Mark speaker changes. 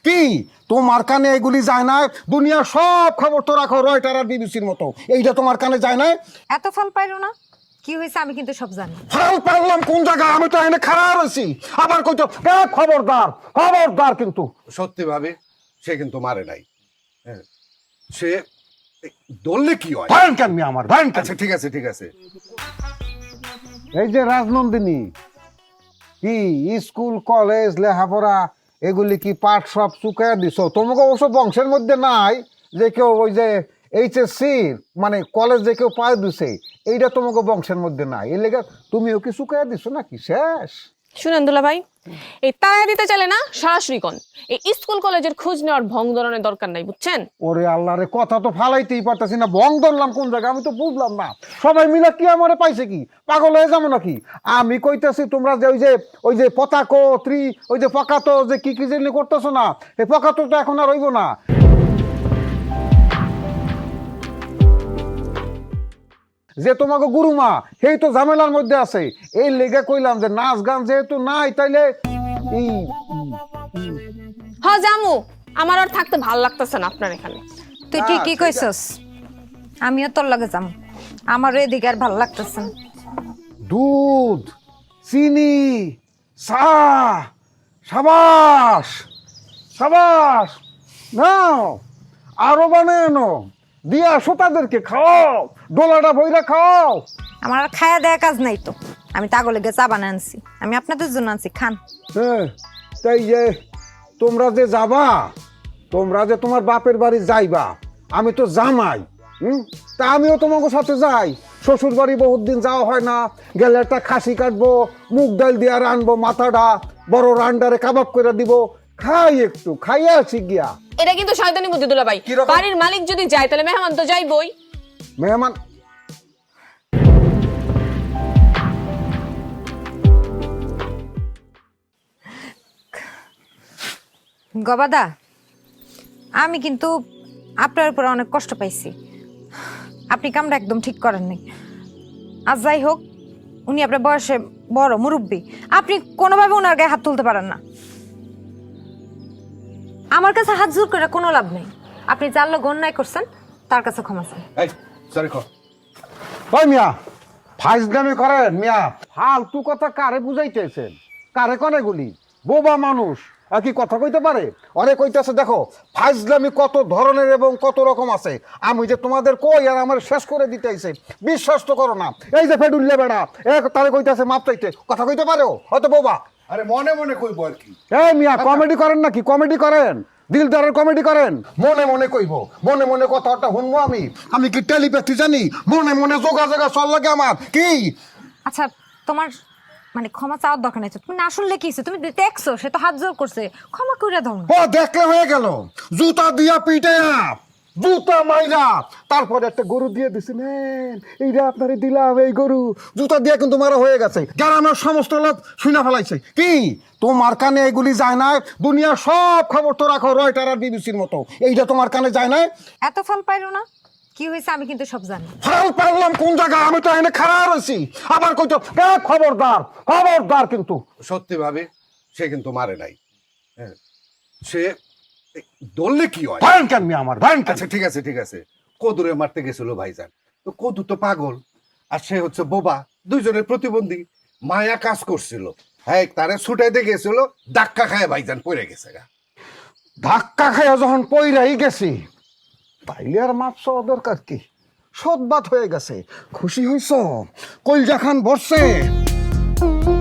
Speaker 1: কি তোমার কানে এগুলি যায় না? দুনিয়ার সব খবর তো রাখো রয়টার আর বিবিসির মতো, এইটা তোমার কানে যায় না?
Speaker 2: এত ফল পাইলো না? কি হয়েছে আমি কিন্তু সব জানি।
Speaker 1: ফল পারলাম কোন জায়গায়? আমি তো এনে খারাপ রয়েছি, আবার কইতো খবরদার খবরদার। কিন্তু
Speaker 3: সত্যি ভাবে সে কিন্তু মারে নাই। হ্যাঁ, সে দললে কি হয়?
Speaker 1: ভয়ঙ্কর মিয়া আমার ভয়ঙ্কর।
Speaker 3: আচ্ছা ঠিক আছে ঠিক আছে।
Speaker 1: এই যে রাজনন্দিনী, কি স্কুল কলেজ লেখাপড়া এগুলি কি পাঠ সব চুকাইয়া দিছ? তোমাকে অবশ্য বংশের মধ্যে নাই যে কেউ ওই যে এইচএসসি মানে কলেজ যে কেউ পায় দিছে, এইটা তোমাকে বংশের মধ্যে নাই। এর লেগে তুমিও কি চুকাইয়া দিছো নাকি শেষ?
Speaker 4: শুনেন দুলা ভাই, এই তাড়া দিতে চলে না, সরাসরি কোন এই স্কুল কলেজের খোঁজ নেওয়ার ভং ধরনের দরকার নাই, বুঝছেন?
Speaker 1: ওরে আল্লাহ রে, কথা তো ফালাইতেই পারতেছি না, ভং ধরলাম কোন জায়গায় আমি তো বুঝলাম না। সবাই মিলে কি আমারে পাইছে কি? পাগল হয়ে যাবো নাকি? আমি কইতেছি তোমরা যে ওই যে পতাকো ওই যে পকাতো যে কি কি জানি করতেছো না, এই পকাতো তো এখন আর হইব না। যে তোমাকে গুরুমা সেই তো ঝামেলার মধ্যে আছে, এই লেগে কইলাম যে নাচ গান যেহেতু নাই তাইলে এই
Speaker 4: হ জামু, আমার আর থাকতে ভাল লাগতেছে না আপনার এখানে।
Speaker 2: তুই ঠিকই কইছস, আমিও তোর লগে যাম, আমারও এদিকে আর ভালো লাগতেছে না।
Speaker 1: দুধ, চিনি, চা, সাবাস সাবাস, নাও আরো বানায় নো, দিয়া শ্রোতাদেরকে খাও, ডোলাটা বইরা খাও।
Speaker 2: আমার আর খায়া দেয়া কাজ নাই তো, আমি তাগলে গিয়ে চা বানায় আনছি, আমি আপনাদের জন্য আনছি, খান।
Speaker 1: হ্যাঁ, তাই যে তোমরা যে যাবা, তোমরা যে তোমার বাপের বাড়ি যাইবা, আমি তো জামাই, তা আমিও তোমাকে সাথে যাই। শ্বশুর বাড়ি বহুত দিন যাওয়া হয় না, গেলে একটা খাসি কাটবো, মুগ ডাল দিয়া রানবো, মাথাটা বড় রান্ডারে কাবাব করে দিব, খাই একটু খাইয়ে আসি গিয়া।
Speaker 4: এটা কিন্তু শয়তানি বুদ্ধি দুলা ভাই,
Speaker 1: কিরকম?
Speaker 4: বাড়ির মালিক যদি যায় তাহলে মেহমান তো যাইবই।
Speaker 1: মেহমান
Speaker 2: গবাদা, আমি কিন্তু আপনার উপর অনেক কষ্ট পাইছি, আপনি কামটা একদম ঠিক করেন নাই। আর যাই হোক, উনি আপনার বয়সে বড় মুরব্বী, আপনি কোনোভাবে ওনার গায়ে হাত তুলতে পারেন না। আমার কাছে হাত জোর করে কোনো লাভ নেই, আপনি যার লোক অন্যায় করছেন তার কাছে ক্ষমা চান।
Speaker 3: এই সরি কর।
Speaker 1: ওই মিয়া ফাইজলামি করেন মিয়া, ফালতু কথা কারে বুঝাইতেছেন? কারে কনে গুলি? বোবা মানুষ আর কি কথা কইতে পারে? অরে কইতেছে দেখো ফাইজলামি কত ধরনের এবং কত রকম আছে, আমি যে তোমাদের কই আর আমার শেষ করে দিতেছে, বিশ্বাস তো করো না। এই যে ফেডুল্লে বেড়া তারে কইতেছে মাপ চাইতে, কথা কইতে পারো? হয়তো বোবা।
Speaker 3: আরে মনে মনে কইব আর কি।
Speaker 1: এই মিয়া কমেডি করেন নাকি? কমেডি করেন, দিলদারের কমেডি করেন? মনে মনে কইব, মনে মনে কথাটা শুনবো আমি? আমি কি টেলিপ্যাথি জানি? মনে মনে যোগাযোগ চল লাগে আমার কি?
Speaker 2: আচ্ছা, তোমার মানে ক্ষমা চাওয়ার দরকার নাই তো, তুমি না শুনলে কি হইছে? তুমি দেখছো সে তো হাত জোর করছে, ক্ষমা করে দাও না।
Speaker 1: ও দেখলে হয়ে গেল, জুতা দিয়া পিটে জুতা মাইরা তারপরে একটা গরু দিয়ে দিছি, নেন এইটা আপনারে দিলাম, এই গরু জুতা দিয়ে কিন্তু মারা হয়ে গেছে, গ্রামের সমস্ত লোক শুনে ফেলাইছে। কি তোমার কানে এগুলি যায় না? দুনিয়ার সব খবর তো রাখো রয়টার আর বিবিসির মতো, এইটা তোমার কানে যায় না?
Speaker 2: এত ফল পাইলো না? কি হয়েছে আমি কিন্তু সব জানি।
Speaker 1: ফল পারলাম কোন জায়গায়? আমি তো এনে খারাপ রয়েছি, আবার কইতো খবরদার খবরদার। কিন্তু
Speaker 3: সত্যি ভাবে সে কিন্তু মারে নাই। হ্যাঁ, সে দললে কি হয়?
Speaker 1: ভয়ঙ্কর মিয়া আমার ভয়ঙ্কর।
Speaker 3: আচ্ছা ঠিক আছে ঠিক আছে। কদুরে মারতে গেছিল ভাইজান, তো কদু তো পাগল আর সে হচ্ছে বোবা, দুইজনের প্রতিবন্ধী। মায়া কাজ করছিল, হ্যাঁ তারে ছুটাইতে গেছিল, ধাক্কা খায় ভাইজান পড়ে গেছে গা।
Speaker 1: ধাক্কা খাইয়া যখন পইরাই গেছি, তাইলে আর মাপ চাওয়া দরকার কি? সদবাত হয়ে গেছে, খুশি হইছ? কলজা খান বসছে।